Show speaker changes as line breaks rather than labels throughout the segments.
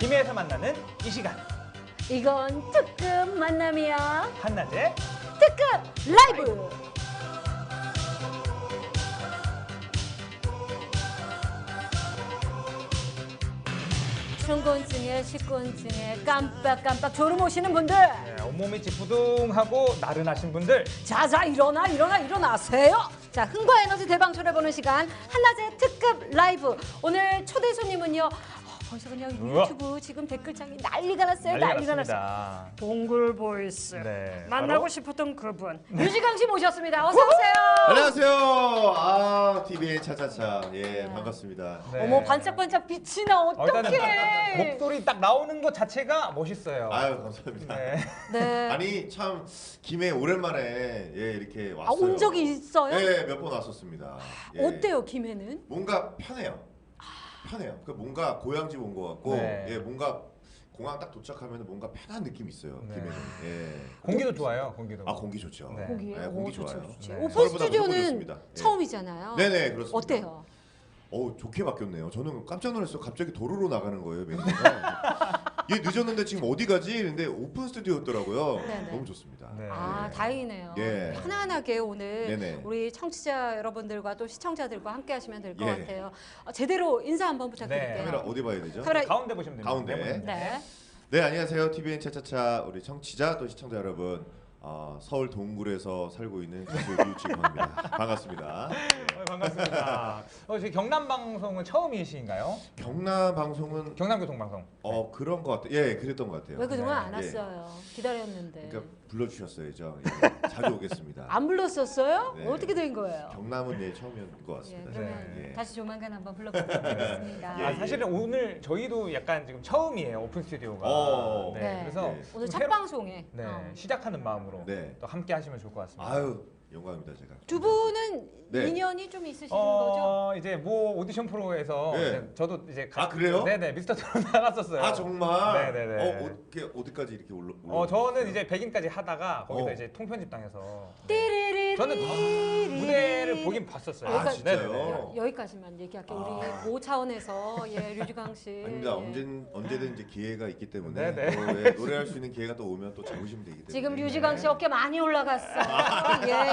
김해에서 만나는 이 시간.
이건 특급 만남이야.
한낮의
특급 라이브. 춘곤증에 식곤증에 깜빡깜빡 졸음 오시는 분들,
네, 온몸이 지푸둥하고 나른하신 분들,
자자 일어나세요. 자, 흥과 에너지 대방출해보는 시간 한낮의 특급 라이브. 오늘 초대 손님은요, 벌써 그냥
우와.
유튜브 지금 댓글창이 난리가 났어요.
난리가
난리가 났어요.
났습니다.
동굴 보이스.
네,
만나고
바로?
싶었던 그분 유지강 씨 모셨습니다. 어서 오세요.
안녕하세요. TVN 차차차. 예,
네.
반갑습니다.
네.
어머, 반짝반짝 빛이 나.
일단은
어떡해.
목소리 딱 나오는 것 자체가 멋있어요.
아유, 감사합니다.
네.
네.
아니, 참 김해 오랜만에 예, 이렇게 왔어요.
온 적이 있어요?
예, 몇 번 왔었습니다. 예.
어때요, 김해는?
뭔가 편해요. 편해요. 그 뭔가 고향집 온 것 같고,
네.
예, 뭔가 공항 딱 도착하면 뭔가 편한 느낌이 있어요.
네.
김해는. 예.
공기도 좋아요. 공기도.
아, 공기 좋죠.
네.
거기에
네, 공기
좋죠,
좋아요.
좋죠.
네.
오픈
서울보다 무조건
스튜디오는
좋습니다. 예.
처음이잖아요.
네네, 그렇습니다.
어때요?
좋게 바뀌었네요. 저는 깜짝 놀랐어요. 갑자기 도로로 나가는 거예요, 매니저가. 얘 늦었는데 지금 어디 가지? 근데 오픈 스튜디오였더라고요.
네네.
너무 좋습니다.
네.
아, 다행이네요.
예.
편안하게 오늘
네네.
우리 청취자 여러분들과 또 시청자들과 함께 하시면 될 것
예.
같아요. 제대로 인사 한번 부탁드릴게요.
네.
카메라 어디 봐야 되죠?
카메라-
가운데 보시면 됩니다.
가운데.
네모네.
네.
네, 안녕하세요. TVN 차차차 우리 청취자 또 시청자 여러분. 서울 동굴에서 살고 있는 가수 류지광입니다. 반갑습니다.
반갑습니다. 저희 경남 방송은 처음이신가요?
경남 방송은
경남교통 방송.
그런 것 같아요. 예, 그랬던 것 같아요.
왜 그동안 안
예.
왔어요? 기다렸는데.
그러니까 불러주셨어야죠. 예, 자주 오겠습니다.
안 불렀었어요?
네.
어떻게 된 거예요?
경남은 예, 처음인 것
예,
같습니다.
그러면
예.
다시 조만간 한번 불러보도록 하겠습니다.
예,
아, 사실은 오늘 저희도 약간 지금 처음이에요. 오픈 스튜디오가.
어.
네.
네.
그래서
네.
오늘
좀
첫
새로-
방송에
네,
어.
시작하는 마음으로
네.
또 함께 하시면 좋을 것 같습니다.
아유, 영광입니다, 제가.
두 분은
네.
인연이 좀 있으신 거죠?
이제 모 오디션 프로에서
네.
이제 저도 이제
아, 그래요?
네네 미스터 트롯 나갔었어요.
아, 정말?
네네네.
어디까지 이렇게 올라?
저는 이제 백인까지 하다가 거기서 이제 통편집 당해서
띠리리리
저는 무대를 보긴 봤었어요.
아, 진짜요?
네네네.
여기까지만 얘기할게요.
아.
우리 모 차원에서 류지강 씨.
아닙니다.
예.
언제든 이제 기회가 있기 때문에
네네.
또, 예, 노래할 수 있는 기회가 또 오면 또 잡으시면 되기 때문에.
지금 류지강 씨 어깨 많이 올라갔어. 예.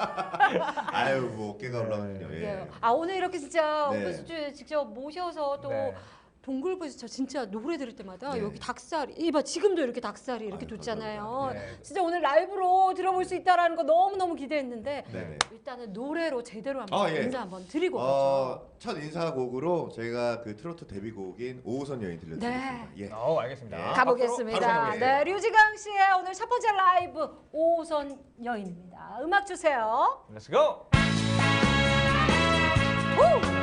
아유, 뭐 어깨가
네.
올라가군요. 예.
예. 아, 오늘 이렇게 진짜
네.
오프스튜디오에 직접 모셔서 또
네.
동굴부에서 저 진짜 노래 들을 때마다
네.
여기 닭살이 이봐 지금도 이렇게 닭살이 이렇게
아유,
돋잖아요.
감사합니다.
네.
진짜 오늘 라이브로 들어볼 수 있다라는 거 너무너무 기대했는데
네네.
일단은 노래로 제대로 한번
예.
인사 한번 드리고 가죠.
첫 인사곡으로 저희가 그 트로트 데뷔곡인 5호선 여인 들려드리겠습니다. 예.
알겠습니다.
네.
가보겠습니다.
바로 가보겠습니다.
네, 류지강 씨의 오늘 첫 번째 라이브 5호선 여인입니다. 음악 주세요.
Let's go.
후!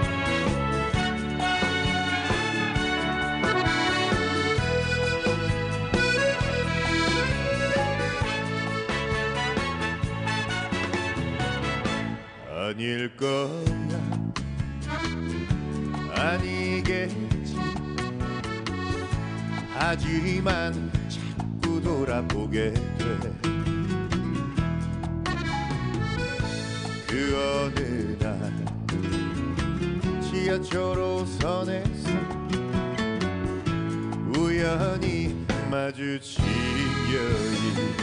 아닐 거야 아니겠지 하지만 자꾸 돌아보게 돼 그 어느 날 지하철 5선에서 우연히 마주친 여인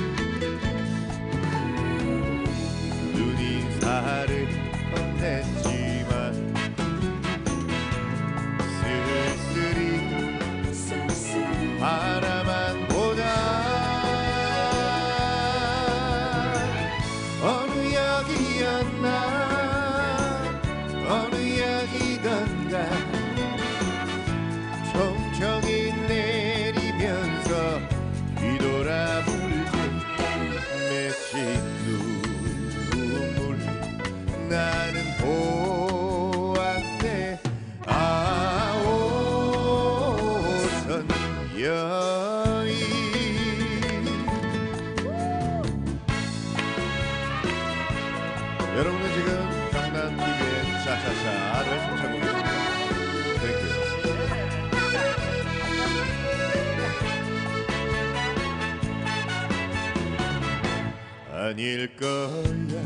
눈인사를 건넸지만 쓸쓸히 바라만 보다 어느 역이었나 어느 역이던가 총총히 내리면서 뒤돌아볼 때 맺힌 눈물 나는 보았네 아 5호선 여인 여러분은 지금 경남 TV의 차차차를 신청하고 계십니다. 땡큐. 아닐 거야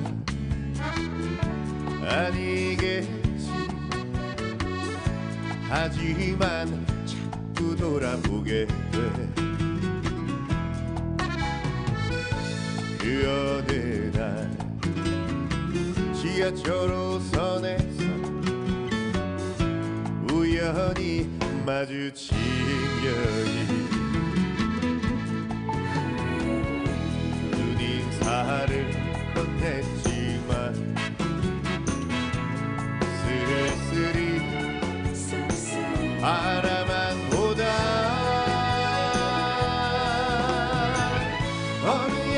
아니겠지 하지만 자꾸 돌아보게 돼. 그 어느 날 지하철 5선에서 우연히 마주친 여인, 눈인사를 건넸지만 쓸쓸히 바라만 보다 어느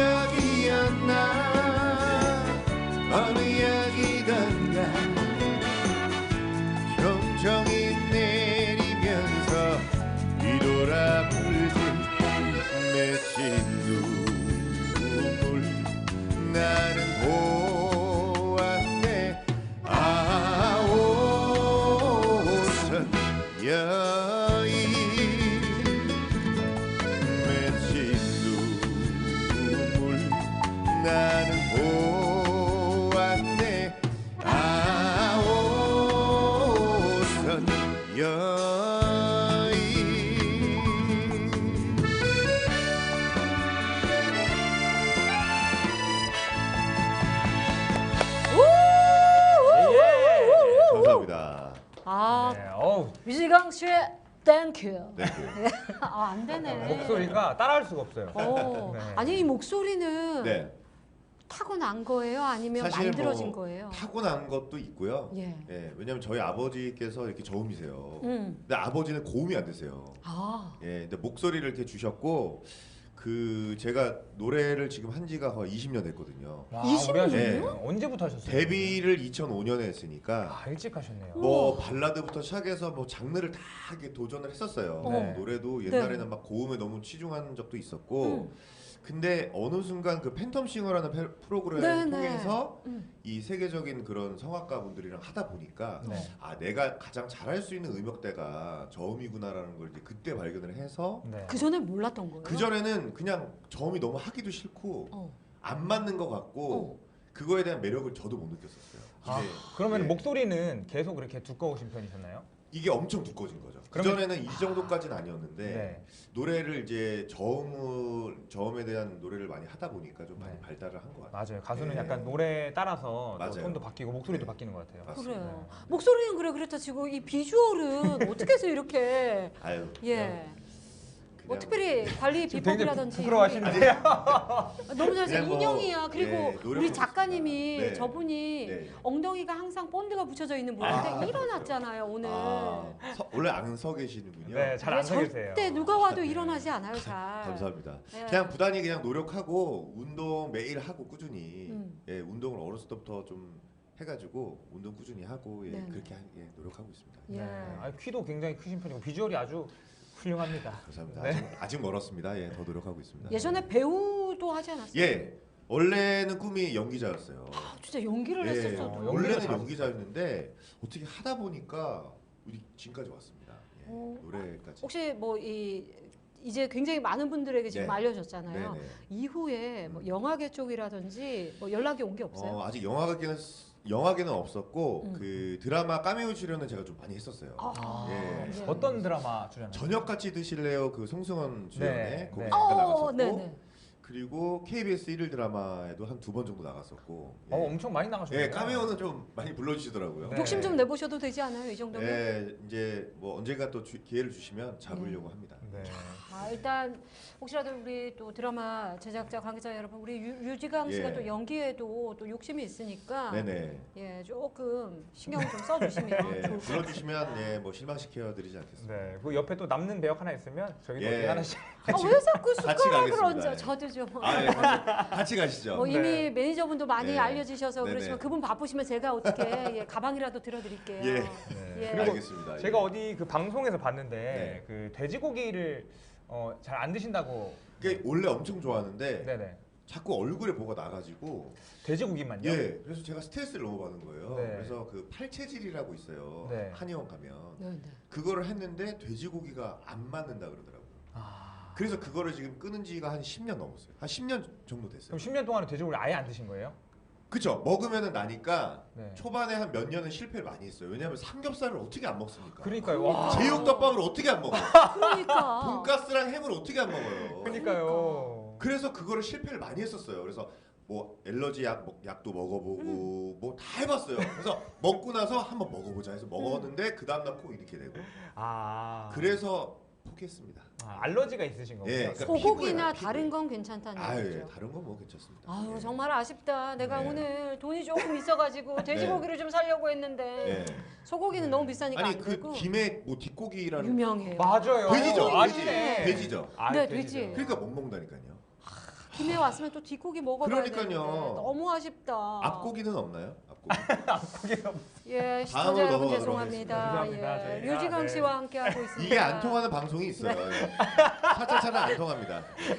약이었나 어느 약이던가 경정이 내리면서 뒤돌아불지 맺힌 눈물 나는 보았네. 아오선 여인 맺힌 눈물 나는 보았네. 아오선 여인. 감사합니다.
아,
네, 어우,
뮤지강 씨의 땡큐.
네.
아, 안 되네.
목소리가 따라할 수가 없어요.
네. 아니 이 목소리는
네.
타고난 거예요? 아니면
사실
만들어진
뭐
거예요?
타고난 것도 있고요.
예.
왜냐면 저희 아버지께서 이렇게 저음이세요.
음.
근데 아버지는 고음이 안 되세요.
아,
근데 목소리를 이렇게 주셨고 그 제가 노래를 지금 한 지가 거의 20년 됐거든요.
와,
20
오래 하셨네요.
년이요?
언제부터 하셨어요?
데뷔를 2005년에 했으니까
아, 일찍 하셨네요.
뭐 발라드부터 시작해서 뭐 장르를 다 이렇게 도전을 했었어요.
네.
노래도 옛날에는 막 고음에 너무 치중한 적도 있었고 근데 어느 순간 그 팬텀싱어라는 프로그램을
네, 네.
통해서 이 세계적인 그런 성악가 분들이랑 하다 보니까
네.
아 내가 가장 잘할 수 있는 음역대가 저음이구나라는 걸 이제 그때 발견을 해서
네.
그 전에 몰랐던 거예요?
그 전에는 그냥 저음이 너무 하기도 싫고
어.
안 맞는 것 같고 그거에 대한 매력을 저도 못 느꼈었어요.
아,
이게,
그러면
예,
목소리는 계속 그렇게 두꺼우신 편이셨나요?
이게 엄청 두꺼워진 거죠. 그
그러면-
전에는 이 정도까지는 아니었는데
네.
노래를 이제 저음에 대한 노래를 많이 하다 보니까 좀 많이
네.
발달을 한 것 같아요.
맞아요. 가수는
네.
약간 노래에 따라서 또
맞아요.
톤도 바뀌고 목소리도
네.
바뀌는 것 같아요.
맞습니다.
그래요.
네.
목소리는 그래 그렇다 치고 이 비주얼은 어떻게 해서 이렇게
아유.
예. 뭐
그냥
특별히 관리
지금 굉장히
비법이라든지
부끄러워하시는데요.
너무 잘생
그냥 뭐,
인형이야. 그리고
예, 노력하고
우리 작가님이
있습니다. 네.
저분이
네.
엉덩이가 항상 본드가 붙여져 있는 분인데
아,
일어났잖아요 오늘.
원래 안 서 계시는군요.
네, 잘 안
이게
서 계세요.
절대 누가 와도
네.
일어나지 않아요 잘.
감사합니다.
예.
그냥 부단히 그냥 노력하고 운동 매일 하고 꾸준히
음.
운동을 어렸을 때부터 좀 해가지고 운동 꾸준히 하고
네네.
그렇게 노력하고 있습니다.
예.
네. 아, 키도 굉장히 크신 편이고 비주얼이 아주 훌륭합니다.
감사합니다.
네.
아직 멀었습니다. 더 노력하고 있습니다.
예전에 배우도 하지 않았어요?
예, 원래는 꿈이 연기자였어요.
아, 진짜 연기를
예,
했었어.
연기를
원래는
잘하셨어요.
연기자였는데 어떻게 하다 보니까 우리 지금까지 왔습니다.
어,
노래까지.
혹시 뭐 이제 굉장히 많은 분들에게 지금
네.
알려졌잖아요.
네네.
이후에 뭐 영화계 쪽이라든지 뭐 연락이 온 게 없어요?
아직 영화계는 없었고
음.
그 드라마 까메오 출연은 제가 좀 많이 했었어요.
아,
예.
네.
어떤 드라마 출연하셨어요?
저녁 같이 드실래요? 그 송승헌 주연의
네,
거기
네.
잠깐 나갔었고
네네.
그리고 KBS 1일 드라마에도 한 2번 정도 나갔었고 예.
엄청 많이 나가셨네요.
까메오는 좀 많이 불러주시더라고요.
네.
욕심 좀 내보셔도 되지 않아요 이 정도면?
예, 이제 뭐 언젠가 또 기회를 주시면 잡으려고 합니다.
네.
아, 일단 혹시라도 우리 또 드라마 제작자 관계자 여러분 우리 유지강 씨가
예.
또 연기에도 또 욕심이 있으니까
네네.
예 조금 신경 좀 써주시면
예,
좋을 것 같아요.
불러주시면 뭐 실망시켜 드리지 않겠습니다.
네. 그 옆에 또 남는 배역 하나 있으면 저희도
예.
어디 하나씩.
왜 자꾸
같이
숟가락을
가겠습니다.
얹어?
예.
저도 좀.
아, 예, 같이 가시죠.
뭐 이미
네.
매니저분도 많이
네.
알려지셔서
네네.
그렇지만 그분 바쁘시면 제가 어떻게 가방이라도 들어드릴게요.
예.
예.
알겠습니다.
제가
예.
어디 그 방송에서 봤는데
네.
그 돼지고기를 잘 안 드신다고.
그게 원래 엄청 좋아하는데
네네.
자꾸 얼굴에 뭐가 나가지고
돼지고기만요?
예, 그래서 제가 스트레스를 너무 받는 거예요.
네.
그래서 그 팔체질이라고 있어요.
네.
한의원 가면
네, 네.
그거를 했는데 돼지고기가 안 맞는다 그러더라고요.
아.
그래서 그거를 지금 끊은 지가 한 10년 넘었어요. 한 10년 정도 됐어요.
그럼 10년 동안은 돼지고기를 아예 안 드신 거예요?
그쵸. 먹으면은 나니까
네.
초반에 한 몇 년은 실패를 많이 했어요. 왜냐하면 삼겹살을 어떻게 안 먹습니까?
그러니까요. 와.
제육덮밥을 어떻게 안 먹어요?
그러니까.
돈가스랑 햄을 어떻게 안 먹어요?
그러니까요.
그래서 그거를 실패를 많이 했었어요. 그래서 뭐 엘러지 약도 먹어보고 뭐 다 해봤어요. 그래서 먹고 나서 한번 먹어보자 해서 먹었는데 그 다음날 코 이렇게 되고
아.
그래서 포기했습니다.
알러지가 있으신 거군요.
예, 그러니까
소고기나
피부예요,
다른
피부.
건 괜찮다는
아유, 예,
얘기죠.
다른 건 뭐 괜찮습니다.
아유
예.
정말 아쉽다. 내가
네.
오늘 돈이 조금 있어가지고 돼지고기를 좀 사려고 했는데
예.
소고기는 너무 비싸니까
아니
안
그
되고.
김에 뭐 뒷고기라는
유명해요.
맞아요.
돼지죠.
아니네.
돼지죠.
아,
네,
돼지죠.
돼지.
그러니까 못 먹는다니까요.
김해 왔으면 또 뒷고기 먹어봐야
그러니까요.
되는데 너무 아쉽다.
앞고기는 없나요? 앞고기.
앞고기가
예,
다음으로
시청자 여러분
넘어가도록
죄송합니다.
하겠습니다.
예,
저희가,
류지강
네.
씨와 함께하고 있습니다.
이게 안 통하는 방송이 있어요. 예. 차차차는 안 통합니다.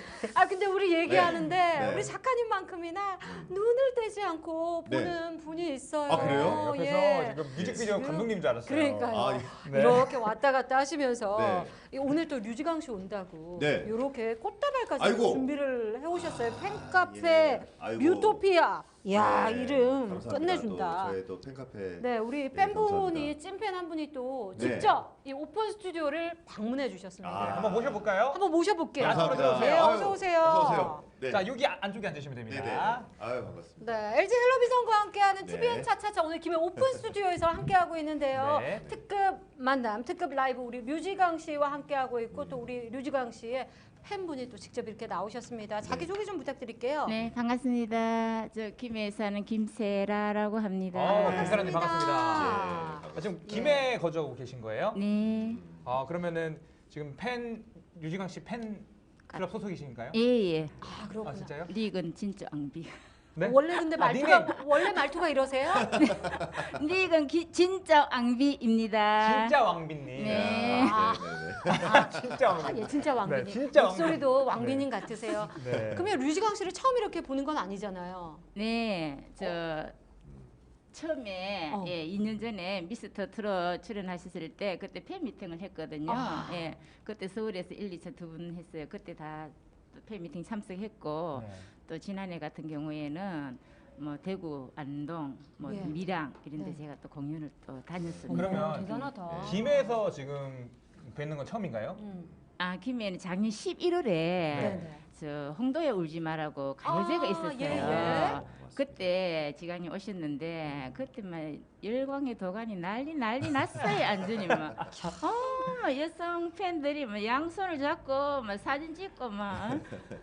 아 근데 우리 얘기하는데
네.
우리 작가님만큼이나 눈을 떼지 않고
네.
보는 분이 있어요.
아, 그래요?
옆에서
예.
지금 뮤직비디오
네.
감독님 줄 알았어요.
그러니까요.
아,
네.
이렇게 왔다 갔다 하시면서
네.
오늘 또 류지강 씨 온다고
네.
이렇게 꽃다발까지
아이고.
준비를 해오셨어요. 팬카페
예. 아이고.
뮤토피아. 이야
네,
이름
감사합니다.
끝내준다.
또 저희 또 팬카페.
네, 우리
네,
팬분이
감사합니다.
찐팬 한 분이 또
네.
직접 이 오픈 스튜디오를 방문해 주셨습니다.
아.
한번 모셔볼까요?
한번 모셔볼게요.
감사합니다.
네,
아유,
어서 오세요.
어서 오세요. 네.
자 여기 안쪽에 앉으시면 됩니다.
네네. 아유 반갑습니다.
네, LG 헬로비전과 함께하는
네.
TVN 차차차 오늘 김해 오픈 스튜디오에서 함께하고 있는데요.
네.
특급 만남, 특급 라이브 우리 류지강 씨와 함께하고 있고 또 우리 류지강 씨의 팬분이 또 직접 이렇게 나오셨습니다. 자기 소개 좀 부탁드릴게요.
네, 반갑습니다. 저 김해에 사는 김세라라고 합니다.
김사라님 반갑습니다.
예,
지금 김해 거주하고 계신 거예요?
네,
그러면은 지금 류지강 씨 팬 클럽 소속이신가요?
예.
아, 그렇구나.
아 진짜요?
릭은 진짜 앙비.
네?
원래 근데 말투가 원래 말투가 이러세요?
릭은 진짜 앙비입니다.
진짜 왕빈님.
네.
아.
아, 진짜
아,
왕빈.
예, 진짜 왕비님.
네, 진짜
목소리도 왕비님 같으세요.
네.
그러면 류지강 씨를 처음 이렇게 보는 건 아니잖아요.
네, 저 처음에
어.
예, 2년 전에 미스터 트롯 출연하셨을 때 그때 팬미팅을 했거든요.
아.
예, 그때 서울에서 1, 2차 두 분 했어요. 그때 다 팬미팅 참석했고
네.
또 지난해 같은 경우에는 뭐 대구, 안동, 뭐
예.
밀양 이런 데
네.
제가 또 공연을 또 다녔습니다.
그러면
대단하다.
김해에서 지금 뵙는 건 처음인가요?
아, 김해는 작년 11월에
네.
저 홍도에 울지 마라고 가요제가
아,
있었어요.
예, 예.
맞습니다.
그때 지강이 오셨는데 그때 막 열광의 도가니 난리 났어요. 완전히 막 여성 팬들이 막 양손을 잡고 막 사진 찍고 막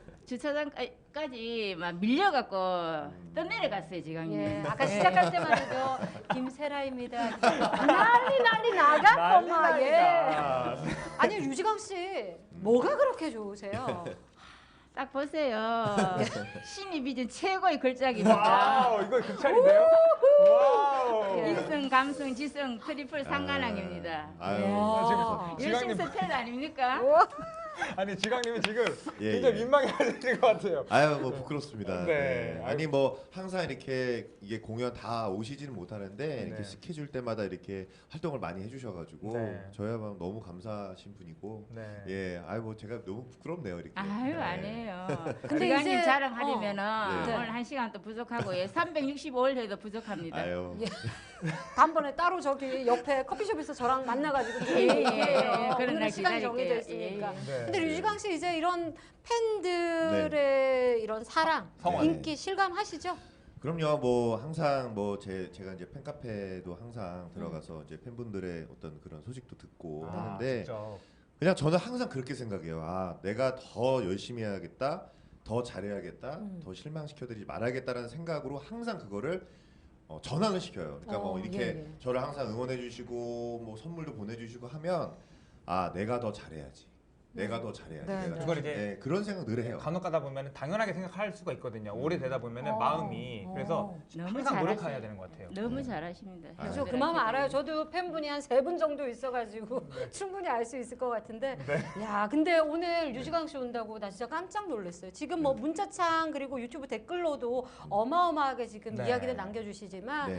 주차장까지 막 밀려갖고 떠내려갔어요. 지강이.
예, 아까 시작할 때만 해도 김세라입니다. 난리 나갔고 막 예.
난리가.
아니 류지강 씨 뭐가 그렇게 좋으세요?
딱 보세요. 신이 빚은 최고의 걸작입니다.
와우, 이거 극찬인데요? 와우.
예.
인성, 감성, 지성 트리플 상관왕입니다.
아유.
야.
감사합니다.
열심 스펠 아닙니까?
아니 지강님이 지금
예,
굉장히
예.
민망해하시는 것 같아요.
아유 뭐 부끄럽습니다.
네.
네. 아니 뭐 항상 이렇게 이게 공연 다 오시지는 못하는데 이렇게
네.
스케줄 때마다 이렇게 활동을 많이 해주셔가지고
네.
저야말로 너무 감사하신 분이고
네.
예, 아유 뭐 제가 너무 부끄럽네요 이렇게.
아유
네.
아니에요.
근데
기강님
이제-
자랑하려면은
네.
오늘 1시간 또 부족하고 예, 365일 해도 부족합니다.
아유.
예. 다음번에 따로 저기 옆에 커피숍에서 저랑 만나가지고 좀
예, 예,
얘기해요.
예. 그런
오늘은
날
시간이 정해져
기다릴게요.
있으니까.
예,
네.
근데 류지강 씨 이제 이런 팬들의 이런 사랑,
성원.
인기 실감하시죠?
그럼요. 뭐 항상 뭐 제가 이제 팬카페도 항상 들어가서 이제 팬분들의 어떤 그런 소식도 듣고 하는데
진짜.
그냥 저는 항상 그렇게 생각해요. 아, 내가 더 열심히 해야겠다, 더 잘해야겠다, 더 실망시켜드리지 말아야겠다라는 생각으로 항상 그거를 전환을 시켜요. 그러니까 뭐 이렇게
예, 예.
저를 항상 응원해주시고 뭐 선물도 보내주시고 하면 아, 내가 더 잘해야지. 내가 더 잘해야지.
네,
내가
네.
더
그걸
잘-
이제
네, 그런 생각 늘 해요.
간혹 가다 보면 당연하게 생각할 수가 있거든요. 오래 되다 보면
어.
마음이 그래서
너무
항상 노력해야
잘하세요.
되는 것 같아요.
너무 잘하십니다.
아,
저 그 마음 알아요. 저도 팬분이 한 3분 정도 있어가지고 충분히 알 수 있을 것 같은데. 야, 근데 오늘 류지강 씨 온다고 나 진짜 깜짝 놀랐어요. 지금 뭐 문자창 그리고 유튜브 댓글로도 어마어마하게 지금
네.
이야기를 남겨주시지만
네.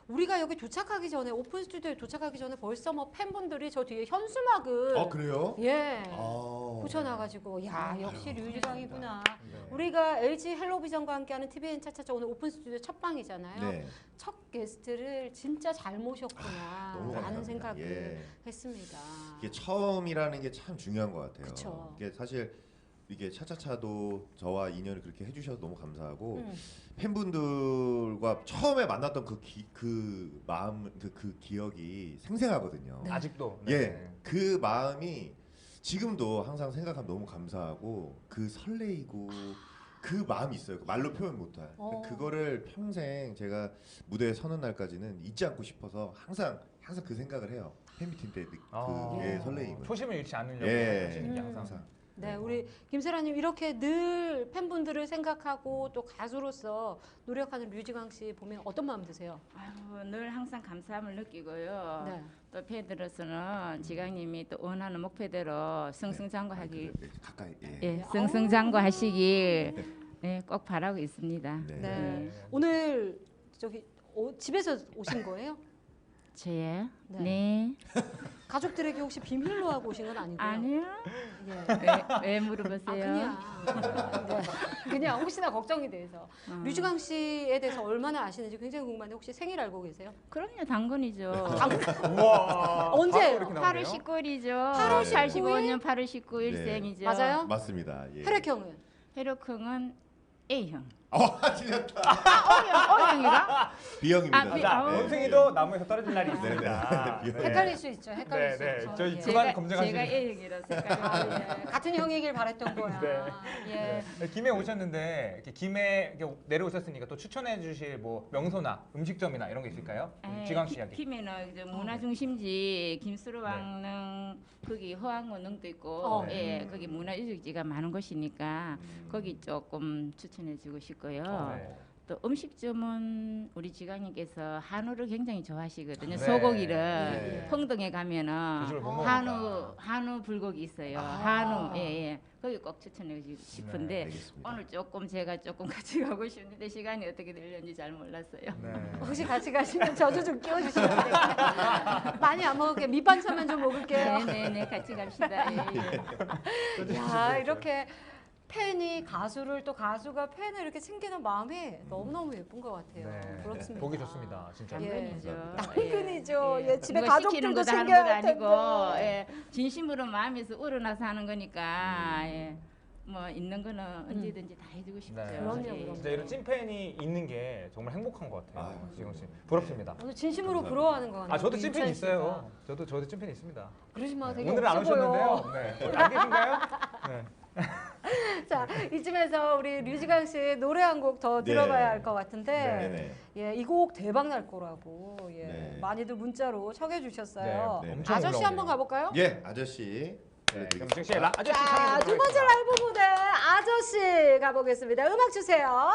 우리가 여기 도착하기 전에 오픈 스튜디오에 도착하기 전에 벌써 뭐 팬분들이 저 뒤에 현수막을
그래요?
예
아.
붙여놔가지고 야 역시 류지강이구나.
네.
우리가 LG 헬로비전과 함께하는 TVN 차차차 오늘 오픈 스튜디오 첫 방이잖아요.
네.
첫 게스트를 진짜 잘 모셨구나
너무
라는
감사합니다.
생각을
예.
했습니다.
이게 처음이라는 게 참 중요한 것 같아요.
그쵸.
이게 사실 이게 차차차도 저와 인연을 그렇게 해주셔서 너무 감사하고 팬분들과 처음에 만났던 그 마음 그 기억이 생생하거든요.
네.
아직도.
예, 그 마음이 지금도 항상 생각하면 너무 감사하고 그 설레이고 그 마음이 있어요. 말로 표현 못할. 그거를 평생 제가 무대에 서는 날까지는 잊지 않고 싶어서 항상 그 생각을 해요. 팬미팅 때 그게 설레임을.
초심을 잃지 않으려고
예.
하시는 게 항상.
네, 우리 김세라님 이렇게 늘 팬분들을 생각하고 또 가수로서 노력하는 류지강 씨 보면 어떤 마음 드세요?
아유, 늘 항상 감사함을 느끼고요.
네.
또 팬들로서는 지강님이 또 원하는 목표대로 승승장구하기
가까이.
예, 승승장구하시길 네, 꼭 바라고 있습니다.
네.
네. 오늘 저기 집에서 오신 거예요?
저요?
네.
네.
가족들에게 혹시 비밀로 하고 오신 건 아니고요?
아니요.
예.
왜 물어보세요?
그냥 네. 그냥 혹시나 걱정이 돼서 류지강 씨에 대해서 얼마나 아시는지 굉장히 궁금한데 혹시 생일 알고 계세요?
그럼요, 당근이죠.
우와.
언제예요?
바로 이렇게
8월
나오네요.
19일이죠.
8월
85년 8월 19일
네.
생이죠.
맞아요?
맞습니다. 예.
혈액형은?
혈액형은 A형.
틀렸다.
O형이가?
B형입니다.
아, B-
자,
아우.
원숭이도 나무에서 떨어질 날이
네,
있습니다.
네.
네.
헷갈릴 수 있죠. 헷갈릴 수
네,
있죠.
저희
예.
그만 검증하시는-
제가 A형이라서
아,
헷갈려요.
예. 같은 형이길 바랬던 거야.
네.
예.
김해 오셨는데 이렇게 김해 이렇게 내려오셨으니까 또 추천해 주실 뭐 명소나 음식점이나 이런 게 있을까요? 지강 씨 이야기.
김해는 이제 문화 중심지 김수로왕릉 거기 허황원릉도 있고 예 거기 문화유적지가 많은 곳이니까 거기 조금 추천해주고 싶고요.
네.
또 음식점은 우리 지강님께서 한우를 굉장히 좋아하시거든요.
네.
소고기를
네.
평동에 가면은
그 집을 못
한우 불고기 있어요.
아.
한우 예예 거기 꼭 추천해주고 싶은데
네,
알겠습니다.
오늘 조금 제가 조금 같이 가고 싶은데 시간이 어떻게 되려는지 잘 몰랐어요.
네.
혹시 같이 가시면 저도 좀 끼워주시면 안 될까요? 많이 안 먹을게요. 밑반찬만 좀 먹을게요.
네네네 같이 갑시다. 예, 예.
야 이렇게 팬이 가수를 또 가수가 팬을 이렇게 챙기는 마음이 너무너무 예쁜 것 같아요.
네.
부럽습니다.
보기 좋습니다. 진짜.
예.
당근이죠.
당근이죠. 예, 집에
누가
가족들도
시키는 거다 하는
챙겨야
건 아니고
텐데.
예, 진심으로 마음에서 우러나서 하는 거니까 예, 뭐 있는 거는 언제든지 다 해주고 싶죠.
네.
그럼요,
예.
그럼요.
진짜 이런 찐팬이 있는 게 정말 행복한 것 같아요.
아유,
지금 씨 부럽습니다.
오늘 진심으로
감사합니다.
부러워하는 것 같아요.
아 저도
우리
찐팬
윤찬
있어요. 저도 찐팬 있습니다.
그러지 마. 되게
오늘 안
없어 보여.
오셨는데요. 네. 안 계신가요? 네.
자 이쯤에서 우리 류지강 씨 노래 한 곡 더
네.
들어봐야 할 것 같은데
네네.
예, 이 곡 대박 날 거라고 예,
네.
많이들 문자로 청해 주셨어요.
네, 네.
엄청
아저씨
올라오네요.
한번 가볼까요?
예, 아저씨.
네, 그럼 즉시 아저씨
자,
참여
두 번째 라이브 무대 아저씨 가보겠습니다. 음악 주세요.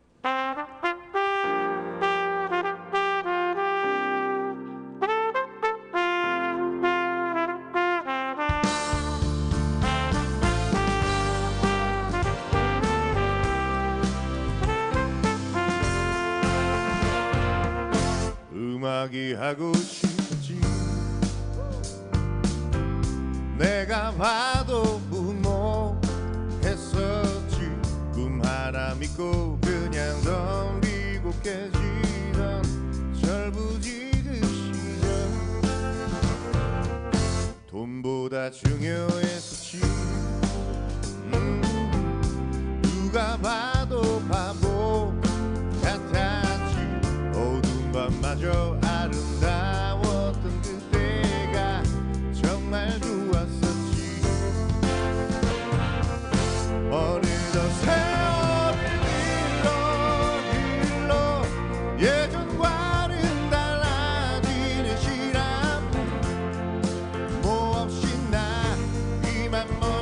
음악이 하고 싶었지 내가 봐도 무모했었지 꿈 하나 믿고 그냥 덤비고 깨지던 철부지 그 시절 돈보다 중요했었지 누가 봐도 바보 같았지 어두운 밤마저 아름다웠던 그때가 정말 좋았었지 어느덧 세월이 흘러 예전과는 달라지는 시간 뭐 없이 나 이만 멀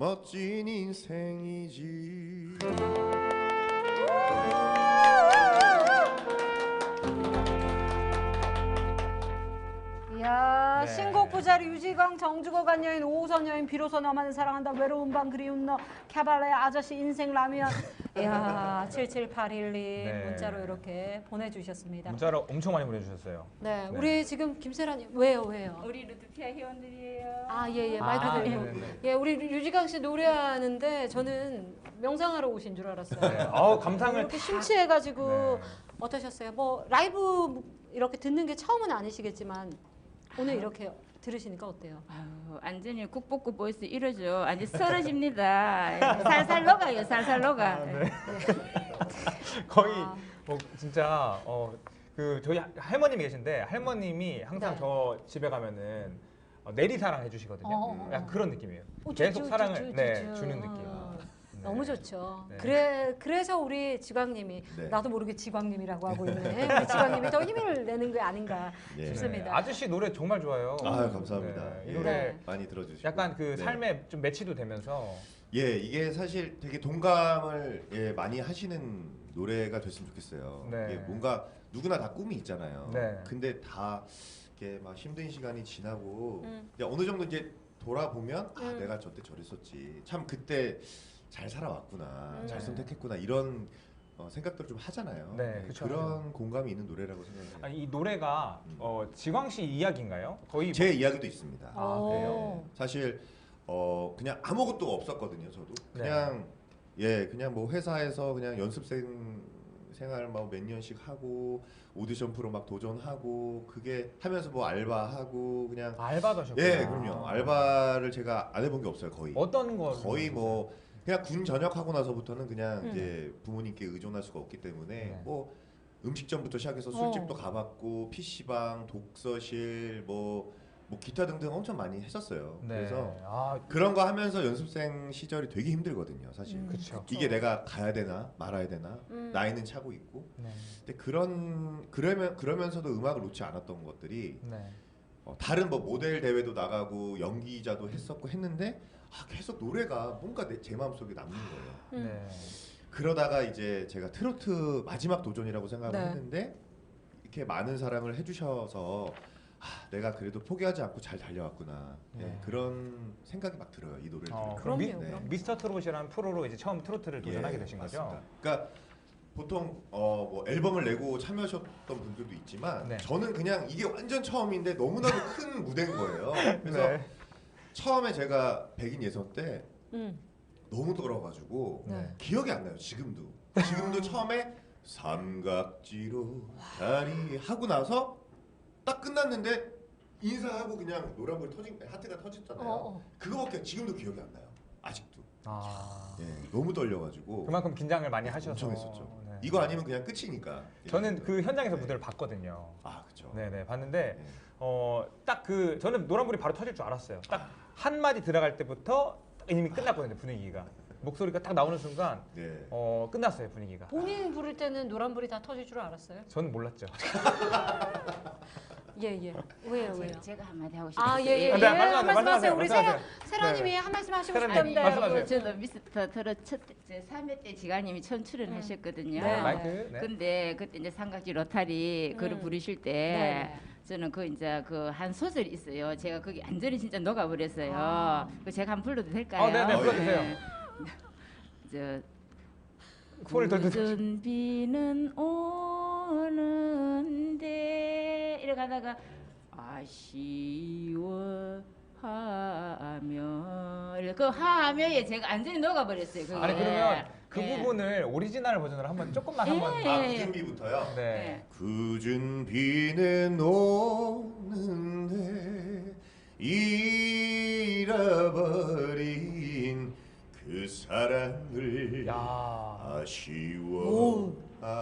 멋진 인생이지.
이야,
네.
신곡 부자리 유지강 정주거 간 여인 오호선 여인 비로소 너만을 사랑한다 외로운 밤 그리운 너 캐발레 아저씨 인생 라면. 이야, 77812
네.
문자로 이렇게 보내주셨습니다.
문자로 엄청 많이 보내주셨어요.
네,
네.
우리 지금 김세라님 왜요?
우리 루드피아 회원들이에요.
아, 예, 마이크
아,
들리고.
네네네.
예, 우리 유지강 씨 노래하는데 저는 명상하러 오신 줄 알았어요.
네. 감상을
이렇게 심취해가지고
네.
어떠셨어요? 뭐 라이브 이렇게 듣는 게 처음은 아니시겠지만 오늘 이렇게 들으시니까 어때요?
아유, 완전히 국보급 보이스 이러죠. 완전 쓰러집니다. 살살 녹아요. 살살 녹아.
거의
아.
뭐 진짜 그 저희 할머님이 계신데 할머님이 항상
네.
저 집에 가면은 내리사랑 해주시거든요. 약간 그런 느낌이에요. 계속 사랑을 주는 느낌. 네.
너무 좋죠.
네.
그래서 우리 지광님이
네.
나도 모르게 지광님이라고 하고 있네. 우리 지광님이 더 힘을 내는 게 아닌가
네.
싶습니다.
아저씨 노래 정말 좋아요.
아유, 감사합니다.
네. 이
예,
노래
많이 들어주시고.
약간 그
네.
삶에 좀 매치도 되면서
예, 이게 사실 되게 동감을 많이 하시는 노래가 됐으면 좋겠어요.
네.
이게 뭔가 누구나 다 꿈이 있잖아요.
네.
근데 다 이렇게 막 힘든 시간이 지나고 이제 어느 정도 이제 돌아보면 내가 저때 저랬었지. 참 그때 잘 살아왔구나. 잘 선택했구나. 이런 생각들을 좀 하잖아요.
네, 그쵸.
그런 공감이 있는 노래라고 생각해요.
아니, 이 노래가 지광 씨 이야기인가요? 거의
제 이야기도 있습니다.
아, 그래요?
사실 그냥 아무것도 없었거든요. 저도
네.
그냥 그냥 뭐 회사에서 그냥 연습생 생활 막 몇 년씩 하고 오디션 프로 막 도전하고 그게 하면서 뭐 알바하고 그냥
알바도 하셨구나.
예, 그럼요. 알바를 제가 안 해본 게 없어요. 거의
어떤 거
거의 뭐 그냥 군 전역하고 나서부터는 그냥
음.
이제 부모님께 의존할 수가 없기 때문에
네.
뭐 음식점부터 시작해서 술집도 가봤고 PC방, 독서실 뭐 기타 등등 엄청 많이 했었어요.
네.
그래서 그런 거 하면서 연습생 시절이 되게 힘들거든요, 사실.
그쵸.
이게 내가 가야 되나 말아야 되나 나이는 차고 있고.
네.
근데 그러면서도 음악을 놓지 않았던 것들이
네.
다른 뭐 모델 대회도 나가고 연기자도 했었고 했는데 계속 노래가 뭔가 제 마음속에 남는 거예요.
네.
그러다가 이제 제가 트로트 마지막 도전이라고 생각을
네.
했는데 이렇게 많은 사랑을 해주셔서 내가 그래도 포기하지 않고 잘 달려왔구나.
네.
그런 생각이 막 들어요, 이 노래를 들으면.
그럼요,
미,
그럼요.
미스터 트롯이라는 프로로 이제 처음 트로트를 도전하게 되신 거죠?
맞습니다. 그러니까 보통 뭐 앨범을 내고 참여하셨던 분들도 있지만
네.
저는 그냥 이게 완전 처음인데 너무나도 큰 무대인 거예요. 그래서
네.
처음에 제가 백인 예선 때
음.
너무 떨어가지고
네.
기억이 안 나요. 지금도 처음에 삼각지로 다리 하고 나서 딱 끝났는데 인사하고 그냥 노란불 하트가 터졌잖아요. 그거밖에 지금도 기억이 안 나요. 아직도. 너무 떨려가지고
그만큼 긴장을 많이 하셔서
엄청 했었죠.
네.
이거 아니면 그냥 끝이니까.
저는 그 현장에서
네.
무대를 봤거든요.
그렇죠.
네네 봤는데
네.
딱 그 저는 노란불이 바로 터질 줄 알았어요. 딱 한 마디 들어갈 때부터 이미 끝났거든요, 분위기가. 목소리가 딱 나오는 순간
네.
끝났어요, 분위기가.
본인 부를 때는 노란불이 다 터질 줄 알았어요?
저는 몰랐죠.
예. 왜요?
제가 한마디 하고 싶어요.
예.
네,
한 말씀 하세요. 우리
말씀하세요.
세라님이
네.
한 말씀 하시고
세라님,
싶답니다.
말씀하세요.
저는 미스터 트롯 첫 3회 때 지가님이 첫 출연하셨거든요.
네.
마이크. 네.
근데 그때 이제 삼각지 로타리 그를 부르실 때
네.
저는 그 이제 그 한 소절이 있어요. 제가 거기 완전히 진짜 녹아버렸어요. 그 제가 한번 불러도 될까요?
네네 불러주세요.
저
소리를 더 듣고.
굳은 비는 오는데 이렇게 하다가 아쉬워하며 그 하며에 제가 완전히 녹아버렸어요. 그게.
아니 그러면 그
네.
부분을 오리지널 버전으로 한번 조금만 한번.
굳은 비부터요.
네.
네.
굳은 비는 오는데 잃어버린 그 사랑을
야.
아쉬워하며.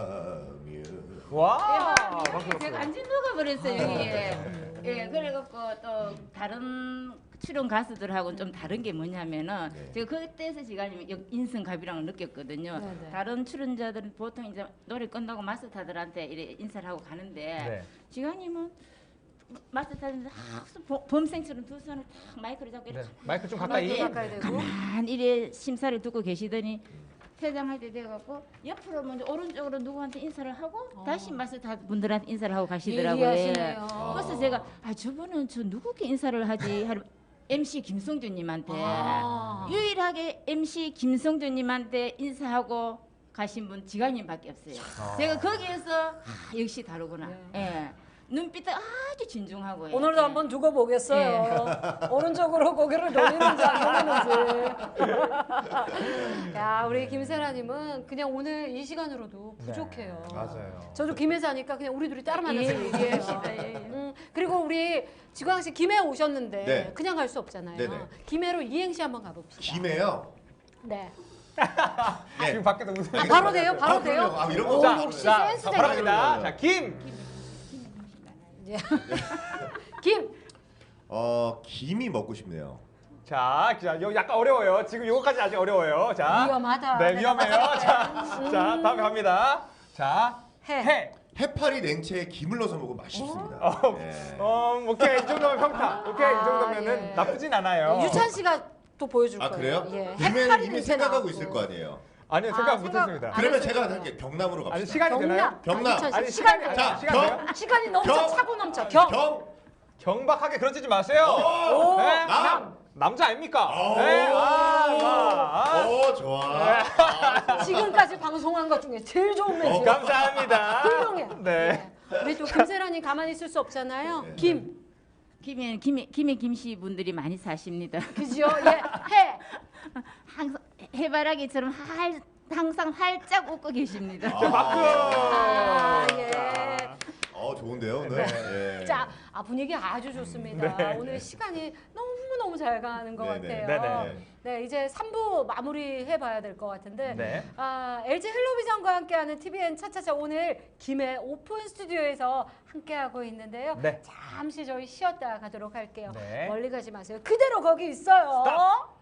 와.
제가 완전 녹아버렸어요 이게. 예, 그래갖고 또 다른 출연 가수들하고는 좀 다른 게 뭐냐면은
네.
제가 그때서 지가님 인성갑이랑을 느꼈거든요.
네네.
다른 출연자들은 보통 이제 노래 끝나고 마스터들한테 이래 인사를 하고 가는데
네.
지가님은 마스터 타는데 범생처럼 두 손을 탁 마이크를 잡고
네.
이렇게
마이크 좀
마이크
가까이.
가까이 대고.
가만히 이래 심사를 듣고 계시더니 퇴장할 때 돼갖고 옆으로 먼저 오른쪽으로 누구한테 인사를 하고 다시 마스터 분들한테 인사를 하고 가시더라고요.
예리하시네요.
그래서 제가 저분은 저 누구께 인사를 하지? 하루 MC 김성준님한테
아.
유일하게 MC 김성준님한테 인사하고 가신 분 지간님밖에 없어요. 제가 거기에서 역시 다르구나. 예. 눈빛도 아주 진중하고.
오늘도 한번 두고 보겠어요. 오른쪽으로 고개를 돌리는지 안 돌리는지. 야, 우리 김세라님은 그냥 오늘 이 시간으로도 부족해요.
네, 맞아요.
저도 김해서 하니까 그냥 우리 둘이 따로 만나서
예,
얘기해요. 그리고 우리 지광 씨 김해 오셨는데
네.
그냥 갈 수 없잖아요.
네네.
김해로 이행시 한번 가봅시다.
김해요.
네.
네.
지금 밖에서 웃음.
아, 바로 돼요? 바로 돼요?
그럼요. 아, 이런 거
오,
자,
역시
자,
센스쟁이.
바로 갑니다.
네.
자, 김.
예. 김.
김이 먹고 싶네요.
자, 이거 약간 어려워요. 지금 요거까지 아직 어려워요. 자,
위험하다.
네, 위험해요. 자, 다음에 갑니다. 자, 해.
해파리 냉채에 김을 넣어서 먹으면 맛있습니다. 네.
오케이 이 정도면 평타. 오케이 이 정도면은
예.
나쁘진 않아요.
유찬 씨가 또 보여줄
아
거예요.
그래요?
예.
김에는
해파리
이미
냄새
생각하고
나고.
있을 거 아니에요.
아니요 생각 못했습니다.
안
그러면
했어요.
제가 할게 경남으로
아니
갑시다.
시간이 되나요?
경남.
유찬 씨
아니
시간이
시간이
돼요.
자,
시간 돼요?
시간이 넘쳐
경.
차고 넘쳐. 경.
경박하게 그러지 마세요.
오.
네?
남.
남자 아닙니까?
오.
네.
좋아.
지금까지 방송한 것 중에 제일 좋은 멘트.
감사합니다.
훌륭해.
네.
우리 또 김세라님 가만히 있을 수 없잖아요.
네.
김.
김해 김씨 분들이 많이 사십니다.
그죠? 예. 해.
항상 해바라기처럼 항상 활짝 웃고 계십니다.
마크.
아, 예.
좋은데요 오늘. 예.
자, 분위기 아주 좋습니다.
네.
오늘 시간이 너무너무 잘 가는 것
네네.
같아요.
네네.
네, 이제 3부 마무리해 봐야 될 것 같은데.
네.
LG 헬로비전과 함께하는 TVN 차차차 오늘 김해 오픈 스튜디오에서 함께하고 있는데요.
네.
잠시 저희 쉬었다 가도록 할게요.
네.
멀리 가지 마세요. 그대로 거기 있어요.
스탑.